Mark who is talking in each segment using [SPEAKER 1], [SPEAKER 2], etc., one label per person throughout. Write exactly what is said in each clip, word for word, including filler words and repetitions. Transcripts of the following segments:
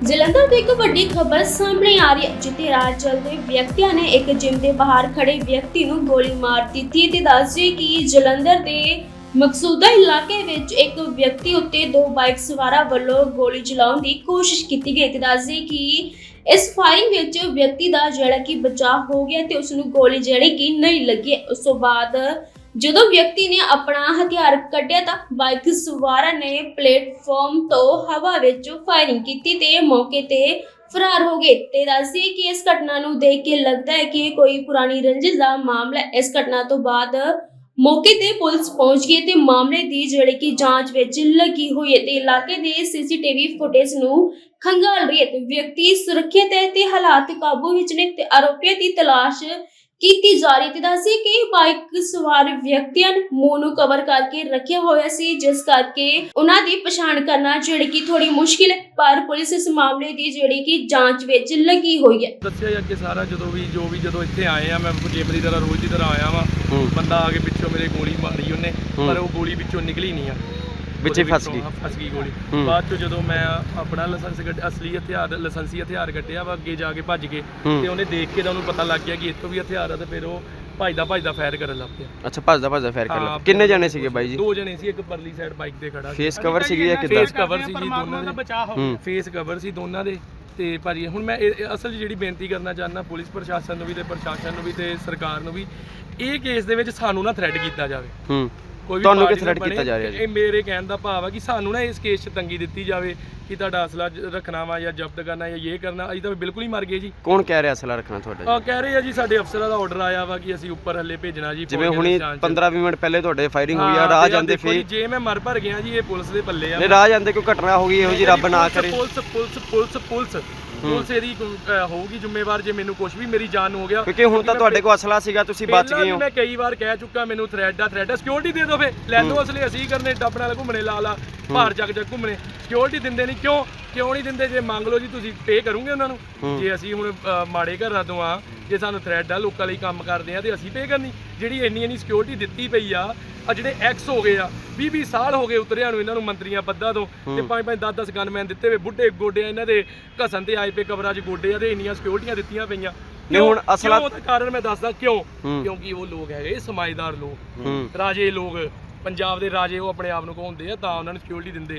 [SPEAKER 1] ਜਲੰਧਰ ਤੋਂ ਇੱਕ ਵੱਡੀ ਖਬਰ ਸਾਹਮਣੇ ਆ ਰਹੀ ਹੈ, ਜਿੱਥੇ ਰਾਹ ਚੱਲਦੇ ਵਿਅਕਤੀਆਂ ਨੇ ਇੱਕ ਜਿਮ ਦੇ ਬਾਹਰ ਖੜੇ ਵਿਅਕਤੀ ਨੂੰ ਗੋਲੀ ਮਾਰ ਦਿੱਤੀ ਤੇ ਦੱਸਦੇ ਕਿ ਜਲੰਧਰ ਦੇ ਮਕਸੂਦਾ ਇਲਾਕੇ ਵਿੱਚ ਇੱਕ ਵਿਅਕਤੀ ਉੱਤੇ ਦੋ ਬਾਈਕ ਸਵਾਰਾਂ ਵੱਲੋਂ ਗੋਲੀ ਚਲਾਉਣ ਦੀ ਕੋਸ਼ਿਸ਼ ਕੀਤੀ ਗਈ ਤੇ ਦੱਸਦੇ ਕਿ ਇਸ ਫਾਇਰਿੰਗ ਵਿੱਚ ਵਿਅਕਤੀ ਦਾ ਜਿਹੜਾ ਕਿ ਬਚਾਅ ਹੋ ਗਿਆ ਤੇ ਉਸ ਨੂੰ ਗੋਲੀ ਜਿਹੜੀ ਕਿ ਨਹੀਂ ਲੱਗੀ। ਉਸ ਤੋਂ ਬਾਅਦ ਜਦੋਂ ਵਿਅਕਤੀ ਨੇ ਆਪਣਾ ਹਥਿਆਰ ਕੱਢਿਆ ਤਾਂ ਬਾਈਕ ਸਵਾਰਾਂ ਨੇ ਪਲੇਟਫਾਰਮ ਤੋਂ ਹਵਾ ਵਿੱਚ ਫਾਇਰਿੰਗ ਕੀਤੀ ਤੇ ਮੌਕੇ ਤੇ ਫਰਾਰ ਹੋ ਗਏ ਤੇ ਦੱਸਦੇ ਕਿ ਇਸ ਘਟਨਾ ਨੂੰ ਦੇਖ ਕੇ ਲੱਗਦਾ ਹੈ ਕਿ ਇਹ ਕੋਈ ਪੁਰਾਣੀ ਰੰਜਿਸ਼ ਦਾ ਮਾਮਲਾ ਹੈ। ਇਸ ਘਟਨਾ ਤੋਂ ਬਾਅਦ ਮੌਕੇ ਤੇ ਪੁਲਿਸ ਪਹੁੰਚ ਗਈ ਤੇ ਮਾਮਲੇ ਦੀ ਜਿਹੜੀ ਕਿ ਜਾਂਚ ਵਿੱਚ ਲੱਗੀ ਹੋਈ ਹੈ ਤੇ ਇਲਾਕੇ ਦੇ ਸੀਸੀਟੀਵੀ ਫੁਟੇਜ ਨੂੰ ਖੰਗਾਲ ਰਹੀ ਹੈ ਤੇ ਵਿਅਕਤੀ ਸੁਰੱਖਿਅਤ ਹੈ ਤੇ ਹਾਲਾਤ ਕਾਬੂ ਵਿੱਚ ਨੇ ਤੇ ਆਰੋਪੀਆਂ ਦੀ ਤਲਾਸ਼ ਕੀਤੀ ਜਾ ਰਹੀ ਤੇ ਦੱਸੀ ਕਿ ਬਾਈਕ ਸਵਾਰ ਵਿਅਕਤੀਆਂ ਨੇ ਮੂੰਹ ਨੂੰ ਕਵਰ ਕਰਕੇ ਰੱਖਿਆ ਹੋਇਆ ਸੀ, ਜਿਸ ਕਰਕੇ ਉਹਨਾਂ ਦੀ ਪਛਾਣ ਕਰਨਾ ਜਿਹੜੀ ਕਿ ਥੋੜੀ ਮੁਸ਼ਕਿਲ ਹੈ, ਪਰ ਪੁਲਿਸ ਇਸ ਮਾਮਲੇ ਦੀ ਜਿਹੜੀ ਕਿ ਜਾਂਚ ਵਿੱਚ ਲੱਗੀ ਹੋਈ ਹੈ।
[SPEAKER 2] ਦੱਸਿਆ ਜਾ ਕੇ ਸਾਰਾ ਜਦੋਂ ਵੀ ਜੋ ਵੀ ਜਦੋਂ ਇੱਥੇ ਆਏ ਆ, ਮੈਂ ਜਿਮ ਦੀ ਤਰ੍ਹਾਂ ਰੋਜ਼ ਦੀ ਤਰ੍ਹਾਂ ਆਇਆ ਵਾਂ, ਬੰਦਾ ਆ ਕੇ ਪਿੱਛੋਂ ਮੇਰੇ ਗੋਲੀ ਮਾਰੀ ਉਹਨੇ, ਪਰ ਉਹ ਗੋਲੀ ਵਿੱਚੋਂ ਨਿਕਲੀ ਨਹੀਂ ਆ, ਵਿੱਚ ਫਸ ਗਈ ਫਸ ਗਈ ਗੋਲੀ। ਬਾਅਦ ਚ ਜਦੋਂ ਮੈਂ ਆਪਣਾ ਲਾਇਸੈਂਸ ਅਸਲੀ ਹਥਿਆਰ ਲਾਇਸੈਂਸੀ ਹਥਿਆਰ ਕੱਢਿਆ ਵਾ, ਅੱਗੇ ਜਾ ਕੇ ਭੱਜ ਕੇ ਤੇ ਉਹਨੇ ਦੇਖ ਕੇ ਤਾਂ ਉਹਨੂੰ ਪਤਾ ਲੱਗ ਗਿਆ ਕਿ ਇੱਥੋਂ ਵੀ ਹਥਿਆਰ ਆ, ਤੇ ਫਿਰ ਉਹ ਭੱਜਦਾ ਭੱਜਦਾ ਫਾਇਰ ਕਰਨ ਲੱਗ ਪਿਆ।
[SPEAKER 3] ਅੱਛਾ, ਭੱਜਦਾ ਭੱਜਦਾ ਫਾਇਰ ਕਰਨ ਲੱਗ ਪਿਆ। ਕਿੰਨੇ ਜਣੇ ਸੀਗੇ ਬਾਈ ਜੀ?
[SPEAKER 2] ਦੋ ਜਣੇ ਸੀ, ਇੱਕ ਪਰਲੀ ਸਾਈਡ ਬਾਈਕ ਤੇ ਖੜਾ।
[SPEAKER 3] ਫੇਸ ਕਵਰ ਸੀਗੀ ਜਾਂ ਕਿੱਦਾਂ?
[SPEAKER 2] ਫੇਸ ਕਵਰ ਸੀ ਜੀ ਦੋਨਾਂ ਦੇ, ਫੇਸ ਕਵਰ ਸੀ ਦੋਨਾਂ ਦੇ। ਤੇ ਭਾਜੀ ਹੁਣ ਮੈਂ ਅਸਲ 'ਚ ਜਿਹੜੀ ਬੇਨਤੀ ਕਰਨਾ ਚਾਹੁੰਦਾ ਪੁਲਿਸ ਪ੍ਰਸ਼ਾਸਨ ਨੂੰ ਵੀ ਤੇ ਪ੍ਰਸ਼ਾਸਨ ਨੂੰ ਵੀ ਤੇ ਸਰਕਾਰ ਨੂੰ ਵੀ, ਇਹ ਕੇਸ ਦੇ ਵਿੱਚ ਸਾਨੂੰ ਨਾ ਥ੍ਰੈਡ ਕੀਤਾ ਜਾਵੇ। ਹੂੰ, ਕੋਈ ਵੀ
[SPEAKER 3] ਤੁਹਾਨੂੰ ਕਿ ਥ੍ਰੈਡ ਕੀਤਾ ਜਾ ਰਿਹਾ ਜੀ?
[SPEAKER 2] ਇਹ ਮੇਰੇ ਕਹਿਣ ਦਾ ਭਾਵ ਆ ਕਿ ਸਾਨੂੰ ਨਾ ਇਸ ਕੇਸ 'ਚ ਤੰਗੀ ਦਿੱਤੀ ਜਾਵੇ ਕਿ ਤੁਹਾਡਾ ਅਸਲਾ ਰੱਖਣਾ ਵਾ ਜਾਂ ਜ਼ਬਤ ਕਰਨਾ ਜਾਂ ਇਹ ਕਰਨਾ। ਅਸੀਂ ਤਾਂ ਬਿਲਕੁਲ ਹੀ ਮਰ ਗਏ ਜੀ।
[SPEAKER 3] ਕੌਣ ਕਹਿ ਰਿਹਾ ਅਸਲਾ ਰੱਖਣਾ ਤੁਹਾਡਾ?
[SPEAKER 2] ਆ ਕਹਿ ਰਹੇ ਆ ਜੀ, ਸਾਡੇ ਅਫਸਰਾਂ ਦਾ ਆਰਡਰ ਆਇਆ ਵਾ ਕਿ ਅਸੀਂ ਉੱਪਰ ਹੱਲੇ ਭੇਜਣਾ ਜੀ।
[SPEAKER 3] ਜਿਵੇਂ ਹੁਣੀ ਪੰਦਰਾਂ ਵੀਹ ਮਿੰਟ ਪਹਿਲੇ ਤੁਹਾਡੇ ਫਾਇਰਿੰਗ ਹੋਈ ਆ, ਰਾਹ ਜਾਂਦੇ ਫੇਰ
[SPEAKER 2] ਜੇ ਮੈਂ ਮਰ ਭਰ ਗਿਆ ਜੀ, ਇਹ ਪੁਲਿਸ ਦੇ ਪੱਲੇ ਆ।
[SPEAKER 3] ਨਹੀਂ, ਰਾਹ ਜਾਂਦੇ ਕੋਈ ਘਟਨਾ ਹੋ ਗਈ ਇਹੋ ਜੀ, ਰੱਬ ਨਾ ਕਰੇ।
[SPEAKER 2] Police police police police police ਇਹਦੀ ਹੋਊਗੀ ਜ਼ਿੰਮੇਵਾਰ ਜੇ ਮੈਨੂੰ ਕੁਝ ਵੀ ਮੇਰੀ ਜਾਨ ਨੂੰ ਹੋ ਗਿਆ,
[SPEAKER 3] ਕਿਉਂਕਿ ਹੁਣ ਤਾਂ ਤੁਹਾਡੇ ਕੋਲ ਅਸਲਾ ਸੀਗਾ, ਤੁਸੀਂ ਬਚ ਗਏ ਹੋ।
[SPEAKER 2] ਮੈਂ ਕਈ ਵਾਰ ਕਹਿ ਚੁੱਕਾ, ਮੈਨੂੰ ਥ੍ਰੈਡ ਆ ਥ੍ਰੈਡ ਆ, ਸਿਕਿਉਰਿਟੀ ਦੇ ਦਿਓ, ਫੇ ਲੈ ਲਓ ਅਸਲੇ, ਅਸੀਂ ਕਰਨੇ ਡੱਬ ਨਾਲ ਘੁੰਮਣੇ, ਲਾ ਲਾ ਭਾਰ ਚੱਕ ਚੱਕ ਘੁੰਮਣੇ। ਸਿਕਿਉਰਿਟੀ ਦਿੰਦੇ ਨਹੀਂ, ਕਿਉਂ ਕਿਉਂ ਨਹੀਂ ਦਿੰਦੇ? ਜੇ ਮੰਗ ਲਓ ਜੀ, ਤੁਸੀਂ ਪੇ ਕਰੋਗੇ ਉਹਨਾਂ ਨੂੰ। ਜੇ ਅਸੀਂ ਹੁਣ ਮਾੜੇ ਘਰਾਂ ਤੋਂ ਆ, ਜੇ ਸਾਨੂੰ ਥ੍ਰੈਡ ਆ, ਲੋਕਾਂ ਲਈ ਕੰਮ ਕਰਦੇ ਆ, ਤੇ ਅਸੀਂ ਪੇ ਕਰਨੀ? ਜਿਹੜੀ ਇੰਨੀ ਇੰਨੀ ਸਿਕਿਉਰਿਟੀ ਦਿੱਤੀ ਪਈ ਆ, ਆ ਜਿਹੜੇ ਐਕਸ ਹੋ ਗਏ ਆ, ਵੀਹ ਵੀਹ ਸਾਲ ਹੋ ਗਏ ਉਤਰਿਆਂ ਨੂੰ ਇਹਨਾਂ ਨੂੰ, ਮੰਤਰੀਆਂ ਪੱਦਾਂ ਤੋਂ, ਤੇ ਪੰਜ ਪੰਜ ਦਸ ਦਸ ਗਨਮੈਨ ਦਿੱਤੇ ਹੋਏ, ਬੁੱਢੇ ਗੋਡੇ ਇਹਨਾਂ ਦੇ ਘਸਣ ਤੇ ਆਏ ਪਏ ਕਬਰਾਂ 'ਚ ਗੋਡੇ ਆ, ਤੇ ਇੰਨੀਆਂ ਸਿਕਿਉਰਿਟੀਆਂ ਦਿੱਤੀਆਂ ਪਈਆਂ।
[SPEAKER 3] ਨਹੀਂ ਹੁਣ ਅਸਲਾ
[SPEAKER 2] ਉਹਦਾ ਕਾਰਨ ਮੈਂ ਦੱਸਦਾ ਕਿਉਂ। ਕਿਉਂਕਿ ਉਹ ਲੋਕ ਹੈਗੇ ਸਮਾਜਦਾਰ ਲੋਕ, ਰਾਜੇ ਲੋਕ, ਪੰਜਾਬ ਦੇ ਰਾਜੇ ਉਹ ਆਪਣੇ ਆਪ ਨੂੰ ਕਹਾਉਂਦੇ ਆ, ਤਾਂ ਉਹਨਾਂ ਨੂੰ ਸਿਕਿਉਰਿਟੀ ਦਿੰਦੇ।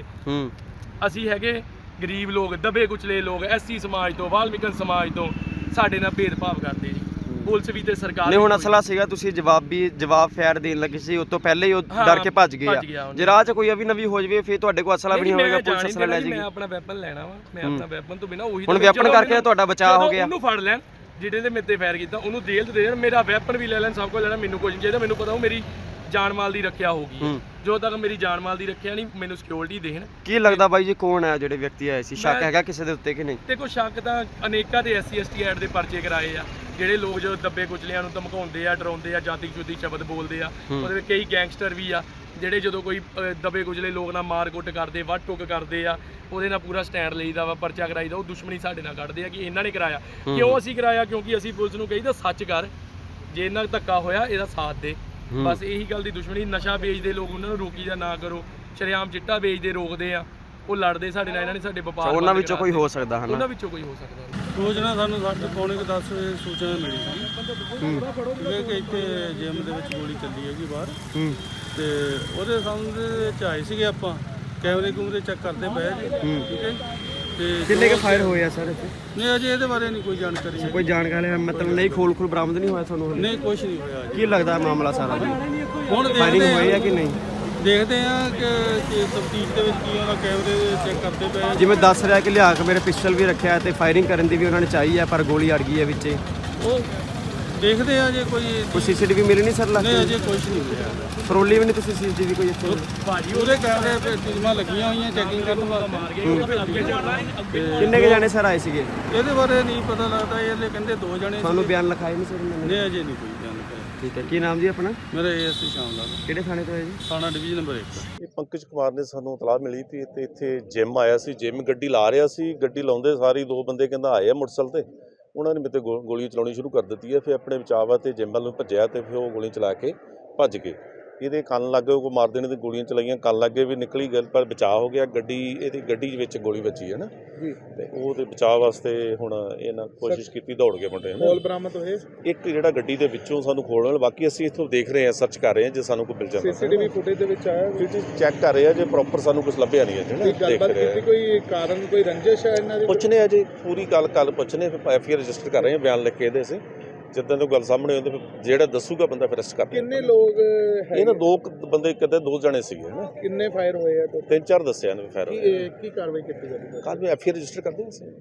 [SPEAKER 2] ਅਸੀਂ ਹੈਗੇ ਗਰੀਬ ਲੋਕ, ਦਬੇ ਕੁਚਲੇ ਲੋਕ, ਐਸਸੀ ਸਮਾਜ ਤੋਂ, ਵਾਲਮੀਕਨ ਸਮਾਜ ਤੋਂ, ਸਾਡੇ ਨਾਲ ਭੇਦਭਾਵ ਕਰਦੇ ਜੀ ਪੁਲਿਸ ਵੀ ਤੇ ਸਰਕਾਰ।
[SPEAKER 3] ਨਹੀਂ ਹੁਣ ਅਸਲਾ ਸੀਗਾ, ਤੁਸੀਂ ਜਵਾਬ ਵੀ ਜਵਾਬ ਫੈਰ ਦੇਣ ਲੱਗੇ ਸੀ, ਉਸ ਤੋਂ ਪਹਿਲੇ ਹੀ ਉਹ ਡਰ ਕੇ ਭੱਜ ਗਏ ਆ। ਜੇ ਰਾਹ 'ਚ ਕੋਈ ਅਵੀ ਨਵੀ ਹੋ ਜਾਵੇ ਫਿਰ ਤੁਹਾਡੇ ਕੋਲ ਅਸਲਾ ਵੀ ਨਹੀਂ ਹੋਵੇਗਾ, ਪੁਲਿਸ ਅਸਲਾ ਲੈ ਜਾਏਗੀ।
[SPEAKER 2] ਮੈਂ ਆਪਣਾ ਵੈਪਨ ਲੈਣਾ ਵਾ, ਮੈਂ ਆਪਣਾ ਵੈਪਨ ਤੋਂ ਬਿਨਾ ਉਹੀ
[SPEAKER 3] ਹੁਣ ਵੈਪਨ ਕਰਕੇ ਤੁਹਾਡਾ ਬਚਾਅ ਹੋ ਗਿਆ।
[SPEAKER 2] ਉਹਨੂੰ ਫੜ ਲੈਣ ਜਿਹੜੇ ਨੇ ਮੇਰੇ ਤੇ ਫਾਇਰ ਕੀਤਾ, ਉਹਨੂੰ ਜੇਲ੍ਹ ਦੇ ਦੇਣ, ਮੇਰਾ ਵੈਪਨ ਵੀ ਲੈ ਲੈਣ, ਸਭ ਕੁਝ ਲੈਣਾ, ਮੈਨੂੰ ਕੁਝ ਨਹੀਂ ਚਾਹੀਦਾ। ਮੈਨੂੰ ਪਤਾ ਉਹ ਮੇਰੀ ਜਾਨ ਮਾਲ ਦੀ ਰੱਖਿਆ ਹੋਊਗੀ, ਜੋ ਤੱਕ ਮੇਰੀ ਜਾਨ ਮਾਲ ਦੀ ਰੱਖਿਆ ਨਹੀਂ, ਮੈਨੂੰ ਸਿਕਿਉਰਿਟੀ ਦੇਣ।
[SPEAKER 3] ਕੀ ਲੱਗਦਾ ਬਾਈ ਜੀ ਕੌਣ ਹੈ ਜਿਹੜੇ ਵਿਅਕਤੀ ਆਏ ਸੀ? ਸ਼ੱਕ ਹੈਗਾ ਕਿਸੇ ਦੇ ਉੱਤੇ ਕਿ ਨਹੀਂ?
[SPEAKER 2] ਦੇਖੋ ਸ਼ੱਕ ਤਾਂ ਅਨੇਕਾਂ ਦੇ S C S T act ਦੇ ਪਰਚੇ ਕਰਾਏ ਆ, ਜਿਹੜੇ ਲੋਕ ਜੋ ਦੱਬੇ ਕੁਚਲਿਆਂ ਨੂੰ ਧਮਕਾਉਂਦੇ ਆ, ਡਰਾਉਂਦੇ ਆ, ਜਾਤੀ ਜੁਤੀ ਸ਼ਬਦ ਬੋਲਦੇ ਆ, ਉਹਦੇ ਵਿੱਚ ਕਈ ਗੈਂਗਸਟਰ ਵੀ ਆ, ਜਿਹੜੇ ਜਦੋਂ ਕੋਈ ਦੱਬੇ ਕੁਚਲੇ ਲੋਕ ਨਾਲ ਮਾਰ ਕੁੱਟ ਕਰਦੇ, ਵੱਢ ਟੁੱਕ ਕਰਦੇ ਆ, ਉਹਦੇ ਨਾਲ ਪੂਰਾ ਸਟੈਂਡ ਲਈਦਾ ਵਾ, ਪਰਚਾ ਕਰਾਈਦਾ। ਉਹ ਦੁਸ਼ਮਣੀ ਸਾਡੇ ਨਾਲ ਕੱਢਦੇ ਆ ਕਿ ਇਹਨਾਂ ਨੇ ਕਰਾਇਆ। ਕਿਉਂ ਅਸੀਂ ਕਰਾਇਆ? ਕਿਉਂਕਿ ਅਸੀਂ ਪੁਲਿਸ ਨੂੰ ਕਹੀਦਾ ਸੱਚ ਕਰ, ਜੇ ਇਹਨਾਂ ਧੱਕਾ ਹੋਇਆ ਇਹਦਾ ਸਾਥ ਦੇ। ਬਸ ਇਹੀ ਗੱਲ ਦੀ ਦੁਸ਼ਮਣੀ। ਨਸ਼ਾ ਵੇਚਦੇ ਲੋਕ, ਉਹਨਾਂ ਨੂੰ ਰੋਕੀ ਜਾਂ ਨਾ ਕਰੋ। ਸ਼ਰੇਆਮ ਚਿੱਟਾ ਵੇਚਦੇ ਰੋਕਦੇ ਆ, ਉਹ ਲੜਦੇ ਸਾਡੇ ਨਾਲ, ਇਹਨਾਂ ਨੇ ਸਾਡੇ ਵਪਾਰ।
[SPEAKER 3] ਉਹਨਾਂ ਵਿੱਚੋਂ ਕੋਈ ਹੋ ਸਕਦਾ ਹੈ ਨਾ?
[SPEAKER 2] ਉਹਨਾਂ ਵਿੱਚੋਂ ਕੋਈ ਹੋ ਸਕਦਾ।
[SPEAKER 4] ਰੋਜ਼ ਨਾ ਸਾਨੂੰ ਸਾਡੇ ਪੌਣੇ ਕੁ ਦਸ ਵਜੇ ਸੂਚਨਾ ਮਿਲੀ ਸੀ ਕਿ ਇੱਥੇ ਜਿਮ ਦੇ ਵਿੱਚ ਗੋਲੀ ਚੱਲੀ ਹੈਗੀ ਬਾਹਰ, ਤੇ ਉਹਦੇ ਸੰਬੰਧ ਵਿੱਚ ਆਏ ਸੀਗੇ ਆਪਾਂ, ਕੈਮਰੇ ਕੂਮਰੇ ਚੈੱਕ ਕਰਦੇ ਪਏ ਜੀ। ਠੀਕ ਹੈ, ਤੇ
[SPEAKER 3] ਕਿੰਨੇ ਕੇ ਫਾਇਰ ਹੋਏ ਆ ਸਰ ਇੱਥੇ?
[SPEAKER 4] ਨਹੀਂ ਅਜੇ ਇਹਦੇ ਬਾਰੇ ਨਹੀਂ ਕੋਈ ਜਾਣਕਾਰੀ ਹੈ।
[SPEAKER 3] ਕੋਈ ਜਾਣਕਾਰੀ ਹੈ ਮਤਲਬ ਨਹੀਂ? ਖੋਲ ਖੋਲ ਬਰਾਮਦ ਨਹੀਂ ਹੋਇਆ ਤੁਹਾਨੂੰ?
[SPEAKER 4] ਨਹੀਂ, ਕੁਝ ਨਹੀਂ ਹੋਇਆ ਜੀ।
[SPEAKER 3] ਕੀ ਲੱਗਦਾ ਮਾਮਲਾ ਸਾਰਾ ਜੀ?
[SPEAKER 4] ਹੁਣ
[SPEAKER 3] ਫਾਇਰਿੰਗ ਹੋਈ ਹੈ ਕਿ ਨਹੀਂ?
[SPEAKER 4] ਦੇਖਦੇ ਆ ਕਿ ਤਫਤੀਸ਼ ਦੇ ਵਿੱਚ ਕੀ ਉਹਨਾਂ ਕੈਮਰੇ ਚੈੱਕ ਕਰਦੇ ਪਏ।
[SPEAKER 3] ਜਿਵੇਂ ਦੱਸ ਰਿਹਾ ਕਿ ਲਿਆ ਕੇ ਮੇਰੇ ਪਿਸਟਲ ਵੀ ਰੱਖਿਆ ਤੇ ਫਾਇਰਿੰਗ ਕਰਨ ਦੀ ਵੀ ਉਹਨਾਂ ਨੇ ਚਾਹੀ ਹੈ, ਪਰ ਗੋਲੀ ਅੜ ਗਈ ਹੈ ਵਿੱਚੇ।
[SPEAKER 4] ਉਹ ਦੇਖਦੇ ਆ ਜੇ ਕੋਈ
[SPEAKER 3] ਕੋਈ ਸੀਸੀਟੀਵੀ ਮਿਲੀ ਨਹੀਂ ਸਰ?
[SPEAKER 4] ਨਹੀਂ ਅਜੇ ਕੁਝ ਨਹੀਂ ਹੋਇਆ।
[SPEAKER 3] ਫਰੋਲੀ ਵੀ ਨਹੀਂ ਤੁਸੀਂ ਸੀਸੀਟੀਵੀ ਕੋਈ ਇੱਥੇ?
[SPEAKER 4] ਭਾਜੀ ਉਹਦੇ ਕੈਮਰੇ ਤੇ ਟੀਮਾਂ ਲੱਗੀਆਂ ਹੋਈਆਂ ਚੈਕਿੰਗ ਕਰਨ ਵਾਸਤੇ।
[SPEAKER 3] ਕਿੰਨੇ ਕੇ ਜਾਣੇ ਸਰ ਆਏ ਸੀਗੇ?
[SPEAKER 4] ਇਹਦੇ ਬਾਰੇ ਨਹੀਂ ਪਤਾ ਲੱਗਦਾ, ਇਹਦੇ ਕਹਿੰਦੇ ਦੋ ਜਣੇ।
[SPEAKER 3] ਤੁਹਾਨੂੰ ਬਿਆਨ ਲਿਖਾਏ ਨਹੀਂ ਸਰ ਇਹਨਾਂ ਨੇ?
[SPEAKER 4] ਨਹੀਂ ਅਜੇ ਨਹੀਂ ਕੋਈ ਜਾਣਕਾਰੀ।
[SPEAKER 3] ਠੀਕ ਹੈ, ਕੀ ਨਾਮ ਜੀ ਆਪਣਾ?
[SPEAKER 4] ਮੇਰਾ ਏਐਸਸੀ ਸ਼ਾਮ ਲਾਲ।
[SPEAKER 3] ਕਿਹੜੇ ਥਾਣੇ ਤੋਂ ਹੈ ਜੀ?
[SPEAKER 4] ਥਾਣਾ ਡਿਵੀਜ਼ਨ ਨੰਬਰ ਇੱਕ।
[SPEAKER 5] ਇਹ ਪੰਕਜ ਕੁਮਾਰ ਨੇ ਸਾਨੂੰ ਇਤਲਾਹ ਮਿਲੀ ਵੀ ਤੇ ਇੱਥੇ ਜਿਮ ਆਇਆ ਸੀ, ਜਿਮ ਗੱਡੀ ਲਾ ਰਿਹਾ ਸੀ। ਗੱਡੀ ਲਾਉਂਦੇ ਸਾਰੀ ਦੋ ਬੰਦੇ ਕਹਿੰਦਾ ਆਏ ਆ ਮੋਟਰਸਾਈਕਲ ਤੇ, ਉਹਨਾਂ ਨੇ ਮੇਰੇ ਤੇ ਗੋਲੀ ਚਲਾਉਣੀ ਸ਼ੁਰੂ ਕਰ ਦਿੱਤੀ ਹੈ। ਫਿਰ ਆਪਣੇ ਬਚਾਅ ਵਾਸਤੇ ਜਿਮ ਵੱਲ ਨੂੰ ਭੱਜਿਆ ਤੇ ਫਿਰ ਉਹ ਗੋਲੀ ਚਲਾ ਕੇ ਭੱਜ ਗਏ। ਇਹਦੇ ਕੰਨ ਲੱਗੇ ਕੋ ਮਾਰ ਦੇਣੇ ਦੀ ਗੋਲੀਆਂ ਚਲਾਈਆਂ, ਕੰਨ ਲੱਗੇ ਵੀ ਨਿਕਲੀ ਗੱਲ, ਪਰ ਬਚਾਅ ਹੋ ਗਿਆ। ਗੱਡੀ ਇਹਦੀ ਗੱਡੀ ਦੇ ਵਿੱਚ ਗੋਲੀ ਵੱਜੀ ਹੈ ਨਾ
[SPEAKER 6] ਜੀ,
[SPEAKER 5] ਤੇ ਉਹ ਤੇ ਬਚਾਅ ਵਾਸਤੇ ਹੁਣ ਇਹਨਾਂ ਕੋਸ਼ਿਸ਼ ਕੀਤੀ, ਦੌੜ ਕੇ ਮੁੰਡੇ ਨੇ।
[SPEAKER 6] ਖੋਲ ਬਰਾਮਦ ਹੋਏ,
[SPEAKER 5] ਇੱਕ ਜਿਹੜਾ ਗੱਡੀ ਦੇ ਵਿੱਚੋਂ ਸਾਨੂੰ ਖੋਲਣ, ਬਾਕੀ ਅਸੀਂ ਇੱਥੋਂ ਦੇਖ ਰਹੇ ਹਾਂ, ਸਰਚ ਕਰ ਰਹੇ ਹਾਂ, ਜੇ ਸਾਨੂੰ ਕੋਈ ਮਿਲ ਜਾਂਦਾ
[SPEAKER 6] ਸੀਸੀਟੀਵੀ ਫੁਟੇਜ ਦੇ ਵਿੱਚ ਆਇਆ
[SPEAKER 5] ਫਿਰ ਚੈੱਕ ਕਰ ਰਹੇ ਆ, ਜੇ ਪ੍ਰੋਪਰ ਸਾਨੂੰ ਕੁਝ ਲੱਭਿਆ ਨਹੀਂ ਹੈ
[SPEAKER 6] ਕੋਈ
[SPEAKER 5] ਜਿਹੜਾ ਦੇਖ
[SPEAKER 6] ਗੱਲਬਾਤ
[SPEAKER 5] ਰਹੇ
[SPEAKER 6] ਕੀਤੀ,
[SPEAKER 5] ਆ।
[SPEAKER 6] ਕੋਈ ਕਾਰਨ, ਕੋਈ ਰੰਜਿਸ਼ ਹੈ ਇਹਨਾਂ ਦੀ?
[SPEAKER 5] ਪੁੱਛਨੇ ਆ ਜੀ, ਪੂਰੀ ਗੱਲ ਕੱਲ ਪੁੱਛਨੇ, ਫਿਰ ਐਫ ਆਈ ਆਰ ਰਜਿਸਟਰ ਕਰ ਰਹੇ ਹਾਂ, ਬਿਆਨ ਲਿਖ ਕੇ ਇਹਦੇ ਅਸੀਂ। ਜਿੱਦਾਂ ਤੋਂ ਗੱਲ ਸਾਹਮਣੇ ਆਉਂਦੀ, ਫਿਰ ਜਿਹੜਾ ਦੱਸੂਗਾ ਬੰਦਾ ਫਿਰ ਅਰੈਸਟ ਕਰ
[SPEAKER 6] ਕਿੰਨੇ ਲੋਕ ਹੈ?
[SPEAKER 5] ਇਹ ਨਾ ਦੋ ਕੁ ਬੰਦੇ, ਕਿਤੇ ਦੋ ਜਣੇ ਸੀਗੇ ਨਾ,
[SPEAKER 6] ਕਿੰਨੇ ਫਾਇਰ ਹੋਏ ਆ?
[SPEAKER 5] ਤਿੰਨ ਚਾਰ ਦੱਸਿਆ ਨੇ ਫਾਇਰ
[SPEAKER 6] ਕੀ ਕੀ ਕਾਰਵਾਈ ਕੀਤੀ ਜਾਂਦੀ ਹੈ?
[SPEAKER 5] ਕੱਲ ਵੀ ਐਫ ਆਈ ਆਰ ਰਜਿਸਟਰ ਕਰਦੇ ਹਾਂ ਅਸੀਂ।